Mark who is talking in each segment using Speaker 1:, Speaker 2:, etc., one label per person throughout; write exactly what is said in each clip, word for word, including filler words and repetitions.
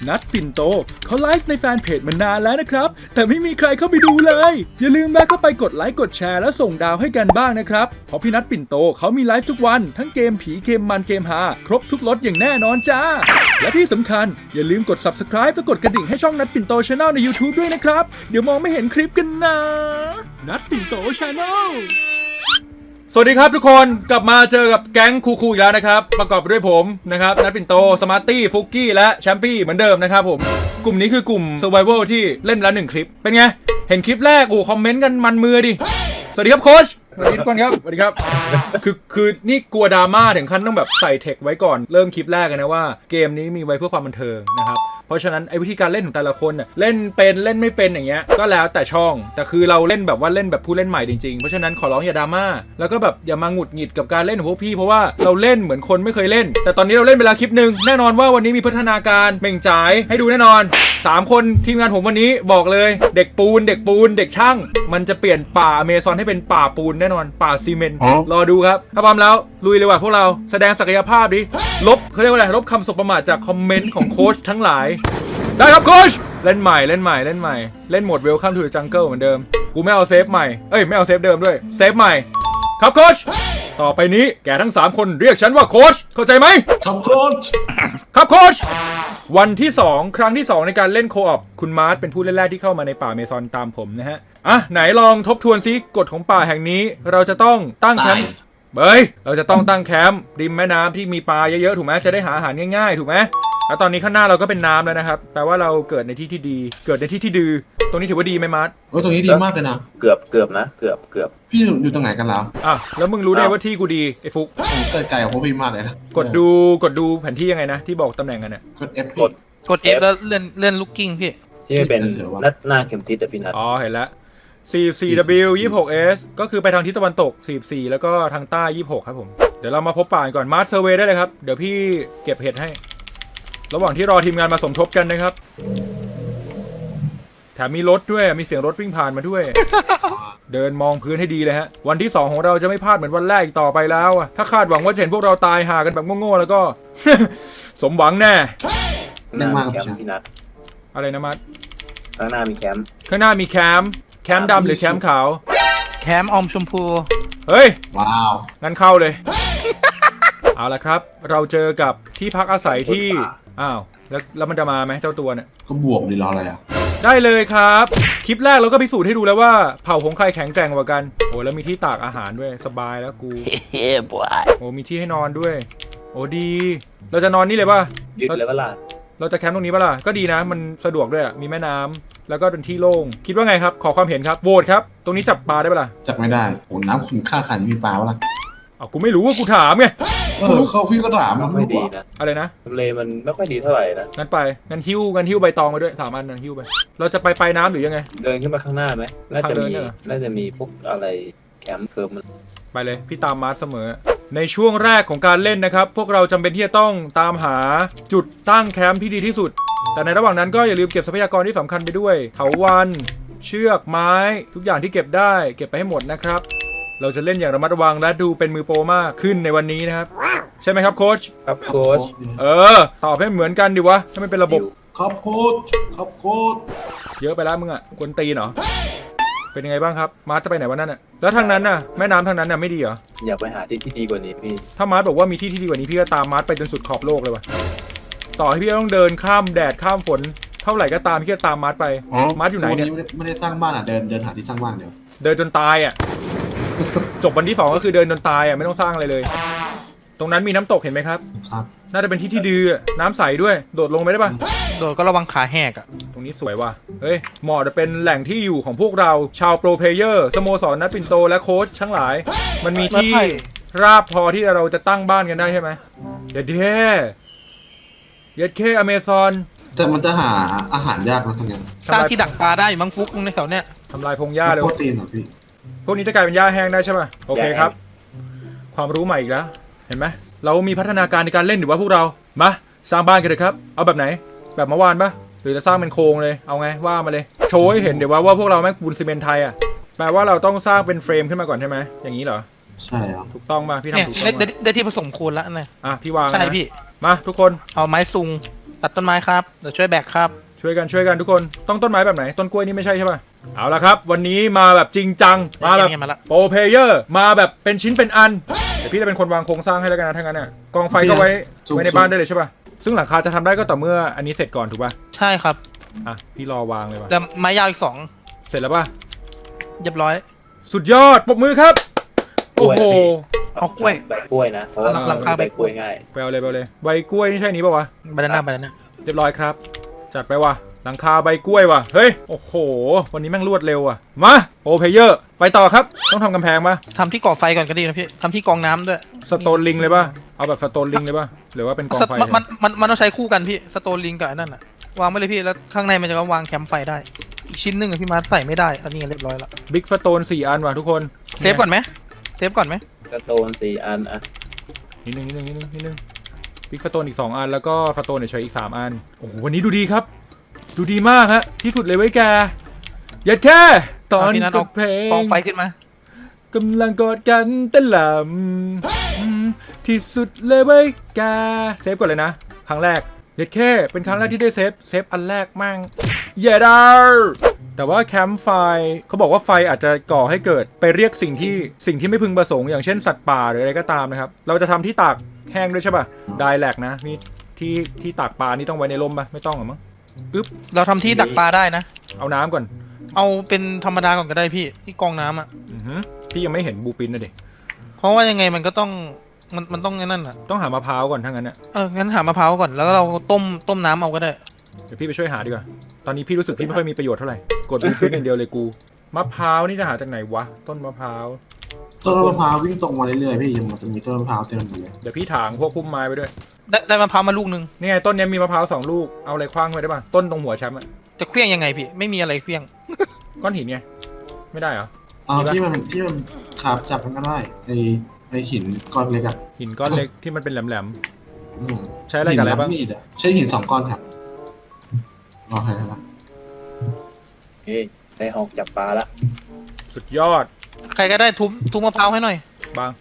Speaker 1: นัทปิ่นโตเขาไลฟ์ในแฟนเพจมานานแล้วนะครับแต่ไม่มีใครเข้าไปดูเลยอย่าลืมแวะเข้าไปกดไลค์กดแชร์และส่งดาวให้กันบ้างนะครับเพราะพี่นัทปิ่นโตเขามีไลฟ์ทุกวันทั้งเกมผีเกมมันเกมฮาครบทุกรสอย่างแน่นอนจ้าและที่สำคัญอย่าลืมกด ซับสไครบ์ และกดกระดิ่งให้ช่องนัทปิ่นโต Channel ใน YouTube ด้วยนะครับเดี๋ยวมองไม่เห็นคลิปกันนะนัทปิ่นโต Channelสวัสดีครับทุกคนกลับมาเจอกับแก๊งคูคูอีกแล้วนะครับประกอบไปด้วยผมนะครับนัทปิ่นโตสมาร์ตี้ฟุกกี้และแชมปี้เหมือนเดิมนะครับผมกลุ่มนี้คือกลุ่ม Survival ที่เล่นแล้วหนึ่งคลิปเป็นไงเห็นคลิปแรกโอ้คอมเมนต์กันมันมือดิสวัสดีครับโค้ชสวัสดีทุกคนครับสวัสดีครับคือคือนี่กลัวดราม่าถึงขั้นต้องแบบใส่เทคไว้ก่อนเริ่มคลิปแรกนะว่าเกมนี้มีไว้เพื่อความบันเทิงนะครับเพราะฉะนั้นไอ้วิธีการเล่นของแต่ละคนน่ะเล่นเป็นเล่นไม่เป็นอย่างเงี้ยก็แล้วแต่ช่องแต่คือเราเล่นแบบว่าเล่นแบบผู้เล่นใหม่จริงๆเพราะฉะนั้นขอร้องอย่าดราม่าแล้วก็แบบอย่ามาหงุดหงิดกับการเล่นของพวกพี่เพราะว่าเราเล่นเหมือนคนไม่เคยเล่นแต่ตอนนี้เราเล่นไปแล้วคลิปนึงแน่นอนว่าวันนี้มีพัฒนาการเม่งจ่ายให้ดูแน่นอนสามคนทีมงานผมวันนี้บอกเลยเด็กปูนเด็กปูนเด็กช่างมันจะเปลี่ยนป่าอเมซอนให้เป็นป่าปูนแน่นอนป่าซีเมนต์รอดูครับถ้าพร้อมแล้วลุยเลยว่ะพวกเราแสดงศักยภาพดิลบเขาเรียกว่าอะไรลบคำสบประมาทจากคอมเมนต์ของโค้ชทั้งหลายได้ครับโค้ชเล่นใหม่เล่นใหม่เล่นใหม่เล่นโหมด Welcome to the Jungle เหมือนเดิมกูไม่เอาเซฟใหม่เอ้ยไม่เอาเซฟเดิมด้วยเซฟใหม่ครับโค้ชต่อไปนี้แกทั้งสามคนเรียกฉันว่าโค้ชเข้าใจไหมครับโค้ชครับโค้ชวันที่สองครั้งที่สองในการเล่นโคออปคุณมาร์ทเป็นผู้เล่นแรกที่เข้ามาในป่าเมซอนตามผมนะฮะอ่ะไหนลองทบทวนซิกฎของป่าแห่งนี้เราจะต้องตั้งแคมป์เฮ้ยเราจะต้องตั้งแคมป์ริมแม่น้ำที่มีปลาเยอะๆถูกไหมจะได้หาอาหารง่ายๆถูกไหมแล้วตอนนี้ข้างหน้าเราก็เป็นน้ำแล้วนะครับแปลว่าเราเกิดในที่ที่ดีเกิดในที่ที่ดื้อตรงนี้ถือว่าดีไหมมาร์ท
Speaker 2: โอ้ตรงนี้ดีมากเลยนะ
Speaker 3: เกือบเกือบนะเกือบเกือบ
Speaker 2: พี่อยู่ตรงไหนกันแล้ว
Speaker 1: อ่ะแล้วมึงรู้ได้ว่าที่กูดีไอ้ฟุก
Speaker 2: ผมเกิดไกลของพวกพี่มากเลยนะ
Speaker 1: กดดูกดดูแผนที่ยังไงนะที่บอกตำแหน่งกันเนี่ย
Speaker 2: กด F
Speaker 3: กด
Speaker 4: กด F แล้วเลื่อนเลื่อนลูกกิ้งพี่
Speaker 3: ที่เป็นนัดหน้าเข็มทิศแต่พี่นัด
Speaker 1: อ๋อเห็นแล้ว สี่สิบสี่ ดับเบิลยู ยี่สิบหก เอส ก็คือไปทางทิศตะวันตกสี่สิบสี่แล้วก็ทางใต้ยี่สิบหกครับผมเดี๋ยวเรามาพบป่าก่อนมาร์ทเซอร์เวย์ได้เลยครับเดี๋ยวพี่เก็บเห็ดให้ระหว่างที่รอทีมงานมาสมทบกันนะครับแถมมีรถด้วยมีเสียงรถวิ่งผ่านมาด้วย เดินมองพื้นให้ดีเลยฮะวันที่สองของเราจะไม่พลาดเหมือนวันแรกอีกต่อไปแล้วอะถ้าคาดหวังว่าจะเห็นพวกเราตายหากันแบบโง่ๆแล้วก็ สมหวังแน่
Speaker 3: หน้ามีแคมป์พี่นัด
Speaker 1: อะไรนะมัด
Speaker 3: ข้างหน้ามีแคมป์
Speaker 1: ข้างหน้ามีแคมป์แคมป์ดำหรือแคมป์ขาว
Speaker 4: แคมป์อมชมพู
Speaker 1: เฮ้ย
Speaker 2: ว้าว
Speaker 1: งั้นเข้าเลย เอาละครับเราเจอกับที่พักอาศัยที่อ้าวแล้วแล้วมันจะมาไหมเจ้าตัวเนี่ย
Speaker 2: ก็บวกดีรออะไรอ่ะ
Speaker 1: ได้เลยครับคลิปแรกเราก็พิสูจน์ให้ดูแล้วว่าเผ่าของใครแข็งแกร่งกว่ากันโอ้แล้วมีที่ตากอาหารด้วยสบายแล้วกูเฮ้บวยโอ้มีที่ให้นอนด้วยโอ้ดีเราจะนอนนี่เลยป่ะ
Speaker 3: ยึดเลยป่ะล่ะ
Speaker 1: เราจะแคมป์ตรงนี้ป่ะล่ะก็ดีนะมันสะดวกด้วยมีแม่น้ำแล้วก็เป็นที่โล่งคิดว่าไงครับขอความเห็นครับโหวตครับตรงนี้จับปลาได้ป่ะล่ะ
Speaker 2: จับไม่ได้โอ้น้ำขุ่นค่าขันมีปลาป่ะล่ะ
Speaker 1: อ้าวกูไม่รู้ว่ากูถามไง
Speaker 2: เออเขาพี่ก็ถาม
Speaker 3: มันไม่ดีนะ
Speaker 1: อะไรนะ
Speaker 3: ทำเลมันไม่ค่อยดีเท่าไหร่นะ
Speaker 1: งั้นไปงั้นหิ้วงั้นหิ้วใบตองไปด้วยสามอันงั้นหิ้วไปเราจะไปปลายน้ำหรือยังไง
Speaker 3: เดินขึ้นมาข้างหน้าไหมน่าจะมีน่าจะมีพวกอะไรแคมป์เคิร์มมัน
Speaker 1: ไปเลยพี่ตามมาร์ทเสมอในช่วงแรกของการเล่นนะครับพวกเราจำเป็นที่จะต้องตามหาจุดตั้งแคมป์ที่ดีที่สุดแต่ในระหว่างนั้นก็อย่าลืมเก็บทรัพยากรที่สำคัญไปด้วยเถาวัลย์เชือกไม้ทุกอย่างที่เก็บได้เก็บไปให้หมดนะครับเราจะเล่นอย่างระมัดระวังและดูเป็นมือโปรมากขึ้นในวันนี้นะครับใช่ไหมครับโค้ช
Speaker 3: ครับโค้ช
Speaker 1: เออตอบให้เหมือนกันดิวะให้มันเป็นระบบ
Speaker 2: ครับโค้ชครับโค้ช
Speaker 1: เยอะไปแล้วมึงอ่ะกวนตีนเหรอเป็นยังไงบ้างครับมาร์ทจะไปไหนวันนั้นอ่ะแล้วทางนั้นน่ะแม่น้ำทางนั้นน่ะไม่ดีเหรอ
Speaker 3: อยากไปหาที่ที่ดีกว่านี้พี่
Speaker 1: ถ้ามาร์ทบอกว่ามีที่ที่ดีกว่านี้พี่ก็ตามมาร์ทไปจนสุดขอบโลกเลยวะต่อให้พี่ต้องเดินข้ามแดดข้ามฝนเท่าไหร่ก็ตามพี่ก็ตามมาร์ทไปมาร์ทอยู่ไหนเนี่ย
Speaker 2: ไม่ได้สร้างบ้านอ่ะเดินเดินหาที่สร้างบ้านเดียว
Speaker 1: เดินจนตายอ่ะจบวันที่สองก็คือเดินจนตายอ่ะไม่ต้องสร้างอะไรเลยตรงนั้นมีน้ำตกเห็นไหมครับ
Speaker 2: ครับ
Speaker 1: น่าจะเป็นที่ที่ดีน้ำใสด้วยโดดลงไปได้ปะ
Speaker 4: โดดก็ระวังขาแหกอ่ะ
Speaker 1: ตรงนี้สวยว่ะเฮ้ยเหมาะจะเป็นแหล่งที่อยู่ของพวกเราชาวโปรเพลเยอร์สโมสรนัทปิ่นโตและโค้ชทั้งหลายมันมีที่ราบพอที่เราจะตั้งบ้านกันได้ใช่ไหมเด็ดเท่เย็ดเคอเมซอน
Speaker 2: แต่มันจะหาอาหารยากนะตรงนี้
Speaker 4: สร้างที่ดักปลาได้มั้งฟุกในแถวเนี้ย
Speaker 1: ทำลายพงหญ้าเลย
Speaker 2: โปรตีนเหรอพี่
Speaker 1: พวกนี้จะกลายเป็นหญ้าแห้งได้ใช่ป่ะโอเคครับความรู้ใหม่อีกแล้วเห็นไหมเรามีพัฒนาการในการเล่นหรือว่าพวกเรามาสร้างบ้านกันเลยครับเอาแบบไหนแบบเมื่อวานปะหรือจะสร้างเป็นโครงเลยเอาไงว่ามาเลยโชว์ให้เห็นเดี๋ยวว่าว่าพวกเราแม่งปูนซีเมนต์ไทยอ่ะแปลว่าเราต้องสร้างเป็นเฟรมขึ้นมาก่อนใช่ไหมอย่างนี้เหรอ
Speaker 2: ใช่ครับ
Speaker 1: ถูกต้องป่ะพี่ทำถูกต้อง
Speaker 4: ได้ได้ที่ผสมคูณแล้วนะ
Speaker 1: อ่ะพี่วาง
Speaker 4: ใช่พี่
Speaker 1: มาทุกคน
Speaker 4: เอาไม้ซุงตัดต้นไม้ครับเดี๋ยวช่วยแบกครับ
Speaker 1: ช่วยกันช่วยกันทุกคนต้องต้นไม้แบบไหนต้นกล้วยนี่ไม่ใช่ใช่ป่ะเอาละครับวันนี้มาแบบจริงจังมาแบบ
Speaker 4: เงียบๆมาละ
Speaker 1: โปรเพลเยอร์มาแบบเป็นชิ้นเป็นอันเดี๋ยวพี่จะเป็นคนวางโครงสร้างให้แล้วกันนะถ้างั้นน่ะกองไฟก็ไว้ไว้ในบ้านได้เลยใช่ป่ะซึ่งหลังคาจะทำได้ก็ต่อเมื่ออันนี้เสร็จก่อนถูกป่ะ
Speaker 4: ใช่ครับ
Speaker 1: อ่ะพี่รอวางเลยว่ะ
Speaker 4: แล้วไม้ยาวอีกสอง
Speaker 1: เสร็จแล้วป่ะ
Speaker 4: เรียบร้อย
Speaker 1: สุดยอดปรบมือครับโอ้โห
Speaker 4: เอากล้วย
Speaker 3: ใบกล้วยนะเพราะว่า
Speaker 4: หลังคาใบกล้วย
Speaker 3: ง่าย
Speaker 1: ไปเอาเลยไปเอาเลยใบกล้วยนี่ใช่นี้ป่ะวะ
Speaker 4: บานาน่าบานาน่า
Speaker 1: เรียบร้อยครับจัดไปว่ะหลังคาใบกล้วยว่ะเฮ้ยโอ้โหวันนี้แม่งรวดเร็วอ่ะมาโปรเพลเยอร์ไปต่อครับต้องทำกำแพงป่ะ
Speaker 4: ทำที่ก่อไฟก่อนก็ดีนะพี่ทำที่กองน้ำด้วย
Speaker 1: สโตนลิงเลยป่ะ เอาแบบสโตนลิงเลยป่ะ หรือว่าเป็นกองไฟ
Speaker 4: มันมันมันมันต้องใช้คู่กันพี่สโตนลิงกับไอ้นั่นอะวางไว้เลยพี่แล้วข้างในมันจะวางแคมป์ไฟได้ อีกชิ้นหนึ่งอะพี่มาร์ทใส่ไม่ได้อันนี้เรียบร้อยละ
Speaker 1: บิ๊กสโตนสี่อันว่ะทุกคน
Speaker 4: เซฟก่อนไหมเซฟก่อนไหม
Speaker 3: ๆกระโตนสี่อันอ่ะ
Speaker 1: นิดนึงนิดนึงนิดนึงนิดนึงบิ๊กสโตนอีกสองอันแล้วก็สโตนเฉยๆอีกสามอัน โอ้โหวันนี้ดูดีครับ ดูดีมากฮะ ที่สุดเลยไว้ยแกยัดแค่ตอน
Speaker 4: เาพี่นัท
Speaker 1: ก
Speaker 4: เอา
Speaker 1: ดเพล
Speaker 4: กอง
Speaker 1: ง
Speaker 4: ไฟขึ้นมาก
Speaker 1: ำลังกอดกันเต้นลำอืมที่สุดเลยเว้ยแกเซฟก่อนเลยนะ ครั้งแรกเด็ดแค่เป็นครั้งแรกที่ได้เซฟเซฟอันแรกมั่งเย่ดาแต่ว่าแคมป์ไฟเขาบอกว่าไฟอาจจะก่อให้เกิดไปเรียกสิ่งที่สิ่งที่ไม่พึงประสงค์อย่างเช่นสัตว์ป่าหรืออะไรก็ตามนะครับ เราจะทำที่ตากแห้งด้วยใช่ป่ะไดแลกนะนี่ที่ที่ตากปลานี่ต้องไว้ในร่มป่ะไม่ต้องหรอมั้งอึ๊บ
Speaker 4: เราทำที่ดักปลาได้นะ
Speaker 1: เอาน้ำก่อน
Speaker 4: เอาเป็นธรรมดาก่อนก็ได้พี่ที่กองน้ำอะ
Speaker 1: อือหือพี่ยังไม่เห็นบูปินนะเด็ก
Speaker 4: เพราะว่ายังไงมันก็ต้องมันมันต้องไอ้นั่นอะ
Speaker 1: ต้องหามะพร้าวก่อนถ้างั้นเนี่ย
Speaker 4: เอองั้นหามะพร้าวก่อนแล้วก็เราต้มต้มน้ำเอาก็ได้
Speaker 1: เดี๋ยวพี่ไปช่วยหาดีกว่าตอนนี้พี่รู้สึกพี่ไม่ค่อยมีประโยชน์เท่าไหร่กดบูปินอย่างเดียวเลยกูมะพร้าวนี่จะหาจากไหนวะต้นมะพร้าว
Speaker 2: ต้นมะพร้าววิ่งตรงมาเรื่อยๆพี่ยังมันจะมีต้นมะพร้าวเต็มหมดเลย
Speaker 1: เดี๋ยวพี่ถางพวกพุ่มไม้ไปด้วย
Speaker 4: ได้ได้มะพร้าวมาลูกนึง
Speaker 1: นี่ไงต้นเนี้ยมีมะพร้าวสองลูกเอาอะไรคว้างไว้ได้ป่ะต้นตรงหัวแชมป์อะ
Speaker 4: จะเคลี้ยงยังไงพี่ไม่มีอะไรเคลี้ยง
Speaker 1: ก้อนหินไงไม่ได้เหรอ
Speaker 2: เอา
Speaker 1: มีปะ
Speaker 2: ที่มันที่มันขาบจับมันก็ได้ไอไอหินก้อนเล็กอะ
Speaker 1: หินก้อนเล็กที่มันเป็นแหลม
Speaker 2: อืม
Speaker 1: ๆใช้อะไรกับอะไรบ้าง
Speaker 2: หินมีดอะใช้หินสองก้อนครับรอใครแล้ว
Speaker 3: เฮ้ยได้ออกจับปลาละ
Speaker 1: สุดยอด
Speaker 4: ใครก็ได้ทุบทุบมะพร้าวให้หน่อย
Speaker 1: บาง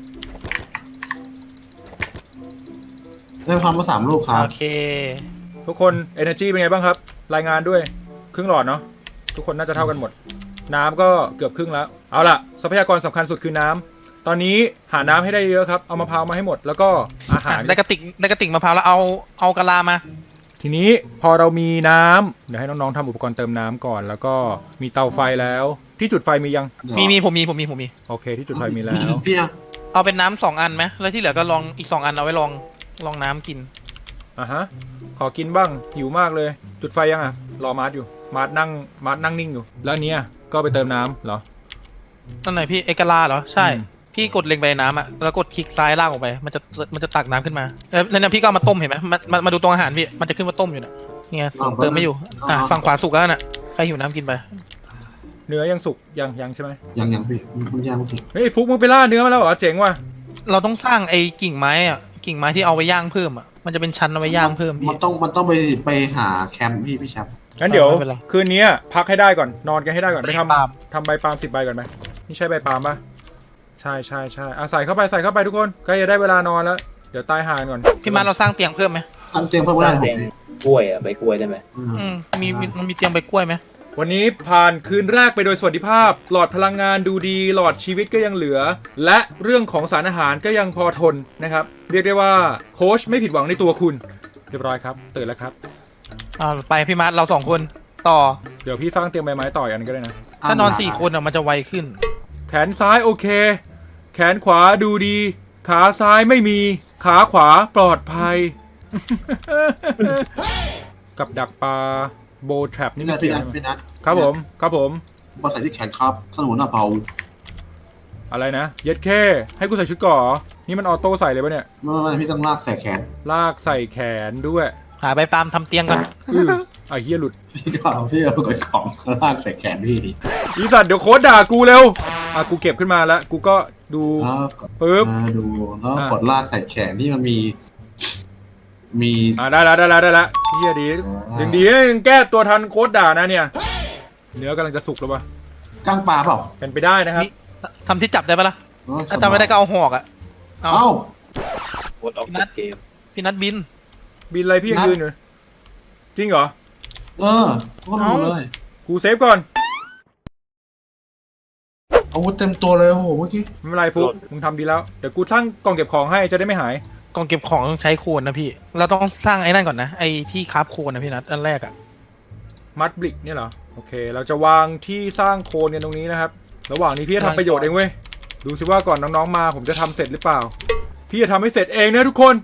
Speaker 2: ได้ความมาสามลูกครับ
Speaker 4: โอเค
Speaker 1: ทุกคน energy เป็นไงบ้างครับ รายงานด้วยครึ่งหลอดเนาะทุกคนน่าจะเท่ากันหมด น้ำก็เกือบครึ่งแล้วเอาล่ะทรัพยากรสำคัญสุดคือน้ำตอนนี้หาน้ำให้ได้เยอะครับเอามะพร้าวมาให้หมดแล้วก็อาหาร
Speaker 4: ได้กระติกได้กระติกมะพร้าวแล้วเอาเอากะลามา
Speaker 1: ทีนี้พอเรามีน้ำเดี๋ยวให้น้องๆทำอุปกรณ์เติมน้ำก่อน แล้วก็มีเตาไฟแล้ว ที่จุดไฟมียัง
Speaker 4: มีมีผมมีผมมีผมมี
Speaker 1: โอเคที่จุดไฟมีแล้ว
Speaker 2: พี่อะ
Speaker 4: เอาเป็นน้ำสองอันไหมแล้วที่เหลือก็ลองอีกสองอันเอาไว้ลองลองน้ำกิน
Speaker 1: อ่ะฮะขอกินบ้างหิวมากเลย จุดไฟยังอ่ะรอมาร์ทอยู่มาร์ทนั่งมาร์ทนั่งนิ่งอยู่ แล้วอันเนี้ยก็ไปเติมน้ำเหรอ
Speaker 4: นั่นไหนพี่เอกะลาเหรอใช่
Speaker 1: อืม
Speaker 4: พี่กดเล็งไปน้ำอ่ะแล้วกดคลิกซ้ายล่างออกไป มันจะมันจะตักน้ำขึ้นมาแล้วแล้วเนี่ยพี่ก็เอามาต้มเห็นไหมมามามาดูตรงอาหารพี่มันจะขึ้นว่าต้มอยู่น่ะนี่ไงเติมไม่อยู่อ่ะฝั่งขวาสุกแล้วน่ะใครหิวน้ำกินไป
Speaker 1: เนื้อยังสุกยังยังใช่ไหม
Speaker 2: ยังยังพี่มันย่างพี่
Speaker 1: เฮ้ยไอ้ฟุกมึงไปล่าเนื้อมาแล้วเหรอเจ๋งว่ะ
Speaker 4: เราต้องสร้างไอ้กิ่งไม้อ่ะกิ่งไม้ที่เอาไว้ย่างเพิ่มอ่ะมันจะเป็นชั้นเอาไว้ย่างเพิ่มพี่
Speaker 2: มันต้องมันต้องไปไปหาแคมป์พี่พี่แชมป์
Speaker 1: งั้นเดี๋ยว
Speaker 4: ไม่เป็นไร
Speaker 1: คืนนี้พักให้ได้ก่อนนอนกันให้ได้ก่อนไป
Speaker 4: ใบ
Speaker 1: ท
Speaker 4: ปาล์ม
Speaker 1: ำทำใบปาล์มสิบใบก่อนไหมนี่ใช่ใบปาล์มปะใช่ใช่ใช่อ่ะใส่เข้าไปใส่เข้าไปทุกคนใกล้จะได้เวลานอนแล้วเดี๋ยวตายห่าก่อน
Speaker 4: พี่มาเราสร้างเตียงเพิ่มไหม
Speaker 2: ชั้นเตียงเพิ่ม
Speaker 3: ส
Speaker 2: ได้
Speaker 3: ร้าง
Speaker 2: ผม
Speaker 3: แดง
Speaker 2: พี่
Speaker 3: กล้วยอ่ะใบกล้วยได้ไหม
Speaker 2: อืม
Speaker 4: อืมมีมีมันมีเตียงใบกล้วยไหม
Speaker 1: วันนี้ผ่านคืนแรกไปโดยสวัสดิภาพ หลอดพลังงานดูดี หลอดชีวิตก็ยังเหลือ และเรื่องของสารอาหารก็ยังพอทนนะครับ เรียกได้ว่าโค้ชไม่ผิดหวังในตัวคุณ เรียบร้อยครับตื่นแล้วครับ
Speaker 4: อ่าไปพี่มาร์ทเราสองคนต่อ
Speaker 1: เดี๋ยวพี่สร้างเตียงใบไม้ต่ออีกอันนงก็ได้นะ
Speaker 4: ถ้านอนสี่คนอ่ะมันจะไวขึ้น
Speaker 1: แขนซ้ายโอเค แขนขวาดูดี ขาซ้ายไม่มี ขาขวาปลอดภัย กับดักปลาโบทรัปนี่
Speaker 2: พี่
Speaker 1: ไม่
Speaker 2: นัทพี่
Speaker 1: เกี่ยว
Speaker 2: นัท
Speaker 1: ใช่ไหม
Speaker 2: พี่นัท
Speaker 1: ครับผมครับผม
Speaker 2: มาใส่ที่แขนครับถนนอ่ะเบา
Speaker 1: อะไรนะ เย็ดแค่ให้กูใส่ชุดก่อนี่มันออโต้ใส่เลยปะเนี่ย
Speaker 2: ไม่ไม่พี่ต้องลากใส่แขน
Speaker 1: ลากใส่แขนด้วย
Speaker 4: หาใบปาล์มทำเตียงก่อน
Speaker 1: อื้อไอ้เฮียหลุด
Speaker 2: พี่ก็เอาพี่เอากดของลากใส่แขนพี่ดิ
Speaker 1: อีสัตว์เดี๋ยวโค้ดด่ากูเร็วอ่ะกูเก็บขึ้นมาแล้ว กูก็ดู
Speaker 2: แล้วกด
Speaker 1: ปึ๊บ
Speaker 2: มาดูแล้ว
Speaker 1: อ่ะ
Speaker 2: กดลากใส่แขนที่มันมี มี
Speaker 1: อ่ะได้แล้วได้แล้วได้แล้วเฮียดียังดีนะยังแก้ตัวทันโค้ดด่านะเนี่ย เนื้อกำลังจะสุกแล้วปะ
Speaker 2: ก้างปลาเปล่า
Speaker 1: เป็นไปได้นะครับ
Speaker 4: นี่ทำที่จับได้ปะล่ะ
Speaker 2: เออ
Speaker 4: ถ้าทำไม่ได้ก็เอาหอกอ่ะเอา
Speaker 2: เอ้า
Speaker 3: กดออกจากเกม
Speaker 4: พี่นัดบิน
Speaker 1: บินอะไรพี่ยังยืนอยู่จริงเหรอ
Speaker 2: เออพวกรู้เลย
Speaker 1: กูเซฟก่อน
Speaker 2: อาวุธเต็มตัวเลยโอ้โหเมื่อกี้
Speaker 1: ไม่เป็นไรฟุกมึงทำดีแล้วเดี๋ยวกูสร้างกล่องเก็บของให้จะได้ไม่หาย
Speaker 4: กล่องเก็บของต้องใช้โคนนะพี่ เราต้องสร้างไอ้นั่นก่อนนะไอ้ที่คราฟโคนนะพี่นัทอันแรกอะ
Speaker 1: มัดบลิกเนี่ยเหรอโอเค เราจะวางที่สร้างโคนกันตรงนี้นะครับระหว่างนี้พี่จะทำประโยชน์เองเว้ยดูสิว่าก่อนน้องๆมาผมจะทำเสร็จหรือเปล่า พี่จะทำให้เสร็จเองนะทุกคน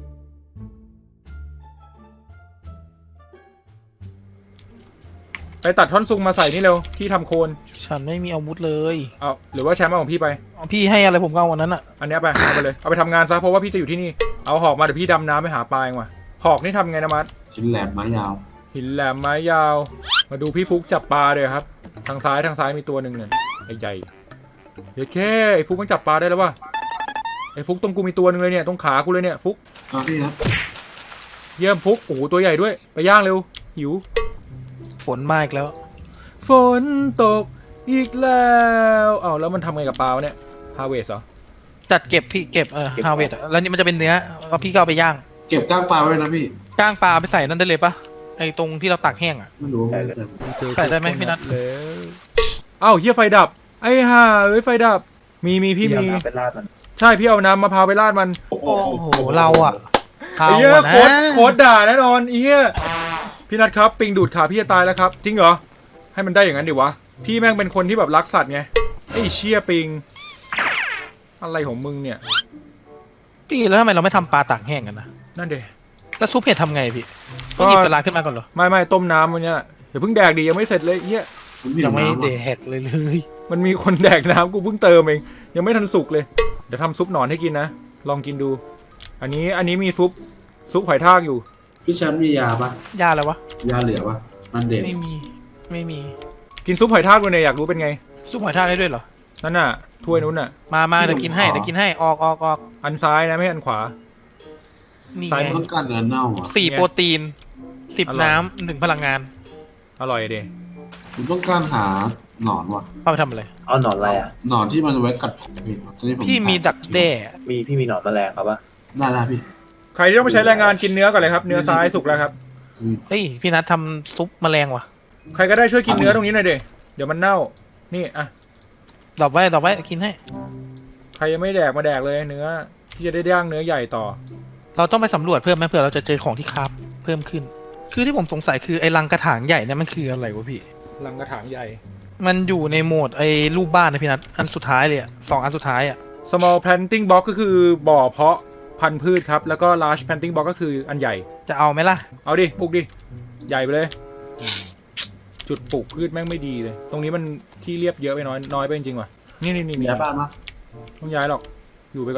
Speaker 1: ไปตัดท่อนซุงมาใส่นี่เร็วที่ทำโคน
Speaker 4: ฉันไม่มีอาวุธเลย
Speaker 1: เอาหรือว่าแชมป์เอาของพี่ไป
Speaker 4: เอาพี่ให้อะไรผมก็เอาวันนั้นอะ
Speaker 1: อันเนี้ยไปเอาไปเลยเอาไปทำงานซะเพราะว่าพี่จะอยู่ที่นี่เอาหอกมาเดี๋ยวพี่ดำน้ำไปหาปลาเองว่ะหอกนี่ทำไงนะมัด
Speaker 2: ชิ้นแหลมไม้ยาว
Speaker 1: หินแหลมไม้ยาว มาดูพี่ฟุกจับปลาเลยครับทางซ้ายทางซ้ายมีตัวหนึ่งเนี่ยไอ้ใหญ่เดี๋ยวแค่ไอ้ฟุกมันจับปลาได้แล้ววะไอ้ฟุกตรงกูมีตัวหนึ่งเลยเนี่ยตรงขากูเลยเนี่ยฟุก
Speaker 2: ครับพี่ครับ
Speaker 1: เยี่ยมฟุกโอ้โหตัวใหญ่ด้วยไปย่างเร็วหิว
Speaker 4: ฝนมาอีกแล้ว
Speaker 1: ฝนตกอีกแล้วเอาแล้วมันทำไงกับปลาวะเนี่ยฮาเวสเหรอ
Speaker 4: จัดเก็บพี่เก็บเออฮาเวดแล้วนี่มันจะเป็นเนื้อแล้วพี่ก็เอาไปย่าง
Speaker 2: เก็บก้างปลาไว้นะพี่
Speaker 4: ก้างปลาไปใส่นั่นได้เลยปะไอ้ตรงที่เราตักแห้งอะ
Speaker 2: ไม่รู้ว่าไม่ได้เจอ
Speaker 4: ใส่ได้ไหมพี่นัท
Speaker 1: แล้วเอ้าเฮียไฟดับไอ้ห่าเอ้ยไฟดับมีมีพี่มี
Speaker 3: เอาน้ำไปราดมัน
Speaker 1: ใช่พี่เอาน้ำมะพร้าวไปราดมัน
Speaker 3: โอ้โห
Speaker 4: โอ้โหเราอะเอา
Speaker 1: ไอ้เหี้ย
Speaker 4: อะนะ
Speaker 1: โคตรโคตรด่าแน่นอนไอ้เหี้ยพี่นัทครับปิงดูดขาพี่จะตายแล้วครับจริงเหรอให้มันได้อย่างนั้นดิวะพี่แม่งเป็นคนที่แบบรักสัตว์ไงไอ้เชี่ยปิงอะไรของมึงเนี่ย
Speaker 4: พี่แล้วทำไมเราไม่ทำปลาตากแห้งกันนะ
Speaker 1: นั่นเด
Speaker 4: แล้วซุปเห็ดทำไงพี่
Speaker 1: ก็
Speaker 4: ก็หยิบกระลาขึ้นมาก่อนเหรอ
Speaker 1: ไม่ไม่ต้มน้ำวันเนี้ยอย่าเพิ่งแดกดิยังไม่เสร็จเลยไอ้เหี้ย
Speaker 2: ผมหิ
Speaker 4: ยั
Speaker 2: ว
Speaker 4: งไม่
Speaker 2: น้ำ
Speaker 4: เด
Speaker 2: อ่ะ
Speaker 4: แหกเลยเลย
Speaker 1: มันมีคนแดกน้ำกูเพิ่งเติมเองยังไม่ทันสุกเลยเดี๋ยวทำซุปหนอนให้กินนะลองกินดู อันนี้อันนี้มีซุปซุปหอยทากอยู่
Speaker 2: พี่แชมป์มียาปะ
Speaker 4: ยาอะไรวะ
Speaker 2: ยาเหลือปะมันเด็ด
Speaker 4: ไม่มี ไม่มี
Speaker 1: กินซุปหอยทากดูเนี่ยอยากรู้เป็นไง
Speaker 4: ซุปหอยทากได้ด้วยเหรอ
Speaker 1: นั่นน่ะถ้วยนู้นน่ะ
Speaker 4: มามาเดี๋ยวกินให้เดี๋ยวกินให้ ออกออกออก
Speaker 1: อันซ้ายนะไม่ใช่อันขวา
Speaker 4: นี่
Speaker 1: ซ้าย
Speaker 4: ไง
Speaker 2: ต้องการเนื้อเน่าอ่ะ
Speaker 4: สี่โปรตีน สิบ
Speaker 1: อร่อย
Speaker 4: น้ำหนึ่งพลังงาน
Speaker 1: อร่อยดิ
Speaker 2: ผมต้องการหาหนอนว่ะ
Speaker 4: เอาไปทำอะไร
Speaker 3: เอาหนอนอะไรอ่ะ
Speaker 2: หนอนที่มันไว้กัดผมพี่ตอนนี้ผม
Speaker 4: พี่มีดักแด้
Speaker 3: มีพี่มีหนอนแมลงครับปะ
Speaker 2: ได้ได้พี่
Speaker 1: ใครที่ต้องไปใช้แรงงานกินเนื้อก่อนเลยครับเนื้อซ้ายสุกแล้วครับ
Speaker 2: อืม
Speaker 4: เฮ้ย พี่นัททำซุปแมลงว่ะ
Speaker 1: ใครก็ได้ช่วยกินเนื้อตรงนี้หน่อยเดเดี๋ยวมันเน่านี่อ่ะ
Speaker 4: ดอกไว้ดอกไว้กินให้
Speaker 1: ใครยังไม่แดกมาแดกเลยเนื้อที่จะได้ย่างเนื้อใหญ่ต่อ
Speaker 4: เราต้องไปสำรวจเพิ่มไหมเผื่อเราจะเจอของที่คราฟเพิ่มขึ้น คือที่ผมสงสัยคือไอ้รังกระถางใหญ่เนี่ยมันคืออะไรวะพี่
Speaker 1: ลังกระถางใหญ่
Speaker 4: มันอยู่ในโหมดไอ้รูปบ้านนะพี่นัทอันสุดท้ายเลยอะสองอันสุดท้ายอะ
Speaker 1: small planting box ก็คือบ่อเพาะพันธุ์พืชครับแล้วก็ large planting box ก็คืออันใหญ่
Speaker 4: จะเอาไหมล่ะ
Speaker 1: เอาดิปลูกดิใหญ่ไปเลย จุดปลูกพืชแม่งไม่ดีเลย ตรงนี้มันที่เรียบเยอะไปน้อยน้อยไปจริงๆว่ะนี่นี่นี่
Speaker 2: มี
Speaker 1: นี่
Speaker 2: ยาบ้านปะ
Speaker 1: ต้องย้ายหรอกอยู่ไปก่อน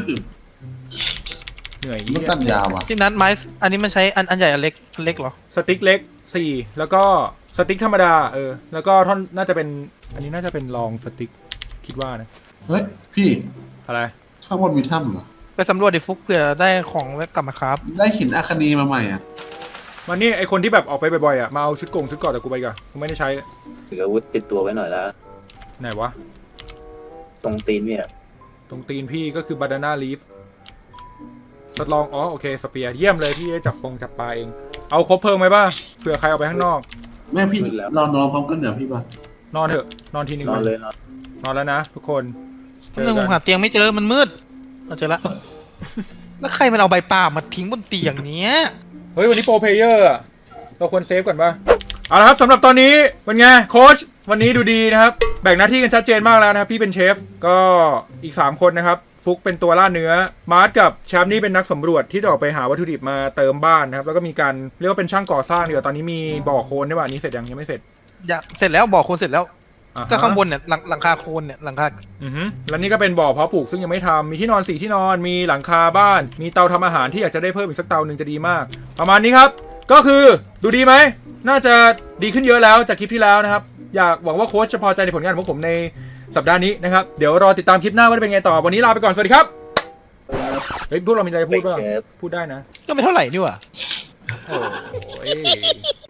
Speaker 1: เหนื่อย
Speaker 2: ต้
Speaker 1: เหี้
Speaker 2: อง
Speaker 1: ย
Speaker 2: การยาว่ะ
Speaker 4: พี่นัทไม้อันนี้มันใช้อันอันใหญ่อันเล็กอันเล็กเหรอ
Speaker 1: สติ๊กเล็กสี่แล้วก็สติ๊กธรรมดาเออแล้วก็ท่อนน่าจะเป็นอันนี้น่าจะเป็นรองสติ๊กคิดว่านะ
Speaker 2: เฮ้ยพี่
Speaker 1: อะไร
Speaker 2: ข้างบนมีถ้ำเหรอ
Speaker 4: ไปสำรวจดิฟุกเผื่อได้ของไว้กลับมาครับ
Speaker 2: ได้หินอะคานีมาใหม่อ่ะ
Speaker 1: วันนี้ไอคนที่แบบออกไปบ่อยๆอ่ะมาเอาชุดโกงชุดเกาะแต่กูไปก่อนกูไม่ได้ใช้
Speaker 3: ถืออาวุธติดตัวไว้หน่อยละ
Speaker 1: ไหนวะ
Speaker 3: ตรงตีนเนี่ย
Speaker 1: ตรงตีนพี่ก็คือบานาน่าลีฟทดลองอ๋อโอเคสเปียร์เยี่ยมเลยพี่จับฟงจับปลาเองเอาครบเพลิงไหมบ้าเผื่อใครเอาไปข้างนอก
Speaker 2: แม่พี่นอนนอนพร้อมกันเดี๋ยวพี่ปะ
Speaker 1: นอนเถอะนอนทีนึง
Speaker 3: นอนเลยนอน
Speaker 1: นอนแล้วนะทุกคนเจอ
Speaker 4: เรื่อง
Speaker 1: กั
Speaker 4: ผมหาน เตียงไม่เจอมันมืดเราเจอละ แล้วใครมันเอาใบปาล์มมาทิ้งบนเตียงเนี้ย
Speaker 1: เฮ้ยวันนี้โปรเพลเยอร์อะเราควรเซฟก่อนป่ะเอาละครับสำหรับตอนนี้เป็นไงโค้ชวันนี้ดูดีนะครับแบ่งหน้าที่กันชัดเจนมากแล้วนะครับพี่เป็นเชฟก็อีกสามคนนะครับฟุกเป็นตัวล่าเนื้อมาร์ทกับแชมป์นี่เป็นนักสำรวจที่จะออกไปหาวัตถุดิบมาเติมบ้านนะครับแล้วก็มีการเรียกว่าเป็นช่างก่อสร้างเดี๋ยวตอนนี้มีบ่อโคลนด้วยป่ะอันนี้เสร็จยังยังไม่เสร็จ
Speaker 4: อยากเสร็จแล้วบอกคนเสร็จแล้ว
Speaker 1: อ่าฮะ
Speaker 4: ก็ข้างบนเนี่ยหลังหลังคาโคนเนี่ยหลังคา
Speaker 1: อือฮึแล้วนี่ก็เป็นบ่อเพาะปลูกซึ่งยังไม่ทำมีที่นอนสี่ที่นอนมีหลังคาบ้าน มีเตาทำอาหารที่อยากจะได้เพิ่มอีกสักเตาหนึ่งจะดีมาก ประมาณนี้ครับก็คือดูดีไหมน่าจะดีขึ้นเยอะแล้วจากคลิปที่แล้วนะครับอยากหวังว่าโค้ชจะพอใจในผลงานของผมในสัปดาห์นี้นะครับเดี๋ยวรอติดตามคลิปหน้าว่าจะเป็นไงต่อวันนี้ลาไปก่อนสวัสดีครับเฮ้ยพวกเรามีอะไรพูดบ้างพูดได้นะ
Speaker 4: ก็ไม่เท่าไหร่นี่หว่า
Speaker 1: โอ้ย